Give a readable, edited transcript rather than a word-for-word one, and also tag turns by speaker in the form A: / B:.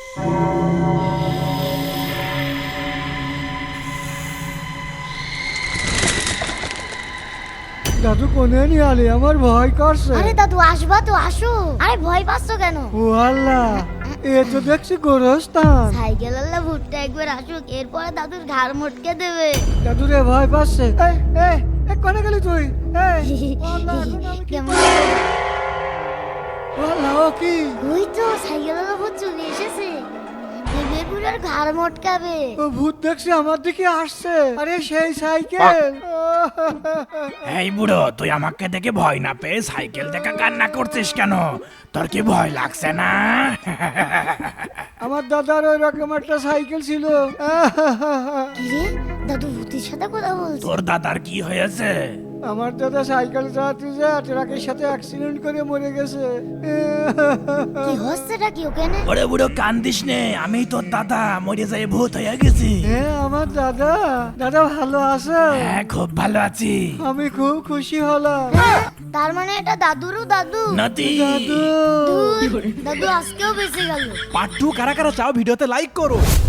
A: দাদু কোনে নিয়ে আলে, আমার ভয় করছে।
B: আরে দাদু আসবা তো, আসো। আরে ভয় পাচ্ছ কেন?
A: ও আল্লাহ, এ তো দেখছি গোরস্থান।
B: সাইকেল আল্লাহ ভুট্টা একবার আসুক, এরপরে দাদুর ঘাড় মটকে দেবে।
A: দাদু রে ভয় পাচ্ছে। এই এই এই কোনে গেলি তুই? এই ও আল্লাহ, এখন আমি কি
B: কেমন?
A: করব? ও আল্লাহ, ও কি?
B: ওই তো সাইকেল আল্লাহ ভূত চলে এসেছে, দেবের বুড়ার ঘাড় মটকাবে।
A: ও ভূত দেখছি আমার দিকে আসছে। আরে সেই সাইকেল।
C: এই বুড়ো, তুই আমাকে দেখে ভয় না পেয়ে সাইকেল দেখে কান্না করছিস কেন? তোর কি ভয় লাগছে না?
A: আমার দাদার ওই রকম একটা সাইকেল ছিল।
B: কি রে, দাদু ভূতের সাথে কথা বলছে?
C: তোর দাদার কি হয়েছে?
A: আমার দাদা সাইকেল চালাতে যা ট্রাকের সাথে অ্যাক্সিডেন্ট করে মরে গেছে।
B: কি হচ্ছেটা কি ওখানে?
C: ওরে বুড়ো কান্দিস নে, আমি তোর দাদা মরে যাই ভূত হয়ে গেছি।
A: হ্যাঁ, আমার দাদা। দাদা ভালো আছে?
C: হ্যাঁ, খুব ভালো আছি।
A: আমি খুব খুশি হলাম।
B: তার মানে এটা দাদুরও দাদু?
C: নাতি।
A: দাদু।
B: ধুর, দাদু আজকেও বেঁচে গেল।
D: পার্ট 2 কারা কারা চাও ভিডিওতে লাইক করো।